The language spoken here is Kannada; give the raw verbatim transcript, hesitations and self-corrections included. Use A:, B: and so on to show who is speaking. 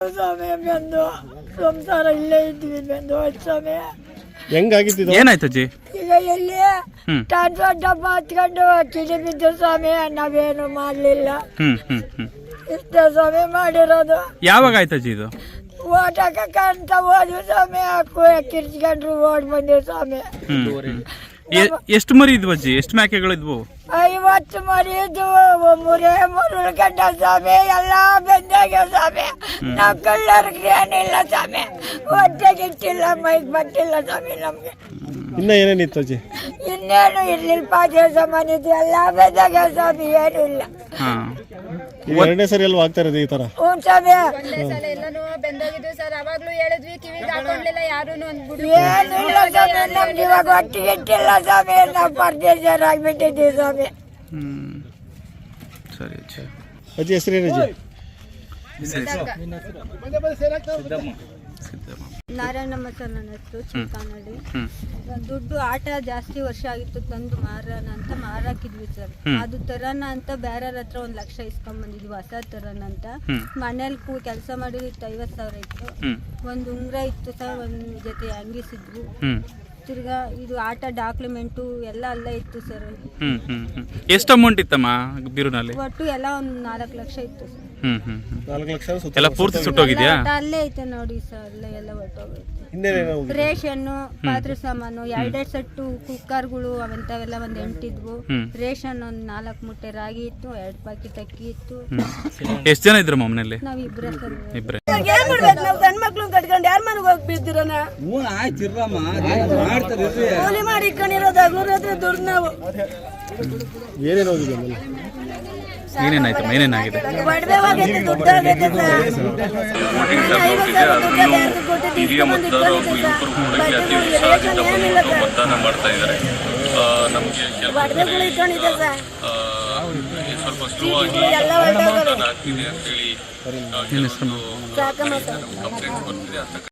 A: ಸ್ವಾಮಿ ಬಂದು ಸಂಸಾರ ಇಲ್ಲೇ ಇದ್ವಿ ಬಂದು ಸ್ವಾಮಿ.
B: ಹೆಂಗಾಗಿತ್ತು?
C: ಏನಾಯ್ತು ಅಜ್ಜಿ?
A: ಈಗ ಎಲ್ಲಿ ಟ್ರಾನ್ಸ್ಫರ್ ಡಬ್ಬ ಹತ್ಕೊಂಡು ಕಿಡಿ ಬಿದ್ದು ಸ್ವಾಮಿ, ನಾವೇನು ಮಾಡ್ಲಿಲ್ಲ.
C: ಹ್ಮ್ ಹ್ಮ್ ಹ್ಮ್
A: ಇಷ್ಟೇ ಸ್ವಾಮಿ ಮಾಡಿರೋದು.
C: ಯಾವಾಗ ಆಯ್ತು ಅಜ್ಜಿ ಇದು?
A: ಓಟ್ ಹಾಕಂತ ಹೋದ್ವಿ ಸ್ವಾಮಿ, ಹಾಕು ಕಿರ್ಚ್ಕೊಂಡ್ರು ಓಡ್ ಬಂದಿವಿ ಸ್ವಾಮಿ.
C: ಎಷ್ಟು ಮರಿ ಇದ್ವು ಅಜ್ಜಿ? ಎಷ್ಟು ಮೇಕೆಗಳು ಇದ್ವು?
A: ಐವತ್ತು ಮರಿ ಇದ್ವು, ಮೂರೇ ಮೂರು ಉಳ್ಕೊಂಡ ಸ್ವಾಮಿ. ಎಲ್ಲ ಬೆಂದಾಗ್ಯಾವ ಸ್ವಾಮಿ. ನಾವ್ ಕಳ್ಳರ್ಗೆ ಏನಿಲ್ಲ ಸ್ವಾಮಿ, ಹೊಟ್ಟೆಗೆ ಇಟ್ಟಿಲ್ಲ, ಮೈಗ್ ಬಟ್ಟಿಲ್ಲ ಸ್ವಾಮಿ ನಮ್ಗೆ.
B: ಇನ್ನ ಏನೇನಿತ್ತು ಅಜ್ಜಿ?
A: ಇನ್ನೇನು ಇರ್ಲಿಲ್ಲ, ಪಾಜೆ ಸಾಮಾನ್ ಇದ್ವು, ಎಲ್ಲ ಬೆಂದಾಗ್ಯಾವ ಸ್ವಾಮಿ, ಏನು ಇಲ್ಲ.
B: ಎರಡನೇ ಸರಿ ಅಲ್ವಾ ಆಗ್ತಾ ಇರೋದು ಈ ತರ?
A: ಹ್ಞೂ ಸ್ವಾಮಿ,
D: ಎಲ್ಲಾನು ಬೆಂದೋಗಿದ್ವಿ ಸರ್. ಅವಾಗ್ಲೂ ಹೇಳಿದ್ವಿ, ಕಿವಿಗೆ ಹಾಕೊಂಡ್ಲಿಲ್ಲ ಯಾರು.
A: ಏನು ಇಲ್ಲ ಸ್ವಾಮಿ, ನಮ್ಗೆ ಇವಾಗ ಹೊಟ್ಟೆಗೆ ಇಟ್ಟಿಲ್ಲ ಸ್ವಾಮಿ. ನಾವು ಪರ್ದೇಶರ್ ಆಗ್ಬಿಟ್ಟಿದ್ದೀವಿ ಸ್ವಾಮಿ.
C: ಹ್ಮ್ ಸರಿ ಅಜ್ಜಿ.
B: ಅಜ್ಜಿ ಹೆಸರು ಏನು ಅಜ್ಜಿ?
D: ನಾರಾಯಣಮ್ಮ ಸರ್ ನನ್ನ ಹೆಸರು, ಚಿಕ್ಕನಹಳ್ಳಿ. ದುಡ್ಡು ಆಟ ಜಾಸ್ತಿ ವರ್ಷ ಆಗಿತ್ತು, ತಂದು ಮಾರೋಣ ಅಂತ ಮಾರಾಕಿದ್ವಿ ಸರ್. ಅದು ತರೋಣ ಅಂತ ಬೇರೆಯವ್ರ ಹತ್ರ ಒಂದ್ ಲಕ್ಷ ಇಸ್ಕೊಂಡ್ ಬಂದಿದ್ವಿ, ಹೊಸ ತರೋಣ ಅಂತ. ಮನೇಲಿ ಕೂ ಕೆಲಸ ಮಾಡಿದ್ರು ಇತ್ತು, ಐವತ್ ಸಾವಿರ ಇತ್ತು. ಒಂದ್ ಉಂಗ್ರ ಇತ್ತು ಸರ್, ಒಂದ್ ಜೊತೆ ಅಂಗಿಸಿದ್ವು. ತಿರ್ಗಾ ಇದು ಆಟ ಡಾಕ್ಯುಮೆಂಟು ಎಲ್ಲ ಅಲ್ಲೇ ಇತ್ತು ಸರ್.
C: ಎಷ್ಟು ಅಮೌಂಟ್ ಇತ್ತಮ್ಮ ಬೀರುನಲ್ಲಿ?
D: ಒಟ್ಟು ಎಲ್ಲ ಒಂದ್ ನಾಲ್ಕು ಲಕ್ಷ ಇತ್ತು ಸರ್.
C: ಹ್ಮ್ ಹ್ಮ್
B: ನಾಲ್ಕು ಲಕ್ಷ
C: ಎಲ್ಲ ಪೂರ್ತಿ ಸುಟ್ಟೋಗಿದ್ಯಾ?
D: ಅಲ್ಲೇ ಐತೆ ನೋಡಿ ಸರ್, ಅಲ್ಲೇ ಎಲ್ಲ ಒಟ್ಟೋಗೈತೆ.
B: ಇನ್ನೇನೇನು?
D: ರೇಷನ್ನು, ಪಾತ್ರೆ ಸಾಮಾನು, ಎರಡೆರಡು ಸೆಟ್ಟು ಕುಕ್ಕರ್ಗಳು ಅವಂತವೆಲ್ಲ ಒಂದ್ ಎಂಟಿದ್ವು. ರೇಷನ್ ಒಂದ್ ನಾಲ್ಕು ಮೂಟೆ ರಾಗಿ ಇತ್ತು, ಎರಡ್ ಪಾಕೆಟ್ ಅಕ್ಕಿ ಇತ್ತು.
C: ಎಷ್ಟು ಜನ ಇದ್ರು ಮನೆಯಲ್ಲಿ?
D: ನಾವ್ ಇಬ್ರೆ ಸರ್.
C: ಇಬ್ರೆ.
A: ನಾವು ಗಂಡ್ ಮಕ್ಳು ಕಟ್ಕೊಂಡು ಯಾರ ಮನೆಗೆ ಹೋಗಿ ಬಿದ್ದಿರೋಣ? ಕೂಲಿ ಮಾಡಿ ಇಟ್ಕೊಂಡಿರೋದು ಹಗಲು ದುಡ್ಡು ನಾವು.
B: ಏನೇನು ಹೋಗಿದೆ ಆಮೇಲೆ?
C: ಏನೇನಾಯ್ತು? ಏನೇನಾಗಿದೆ?
A: ಒಡವೆ ಹೋಗೈತೆ, ದುಡ್ಡು ಹೋಗೈತೆ ಸರ್.
E: ಹಿರಿಯ ಮತದಾರರು ಯುವಕರು ಕೂಡ ಅತಿ ಉತ್ಸಾಹದಿಂದ ಮತದಾನ ಮಾಡ್ತಾ ಇದ್ದಾರೆ. ನಮಗೆ ಸ್ವಲ್ಪ ಸ್ಲೋ ಆಗಿ ಮತದಾನ ಆಗ್ತಿದೆ ಅಂತೇಳಿ ಕಂಪ್ಲೇಂಟ್ ಬರ್ತಿದೆ.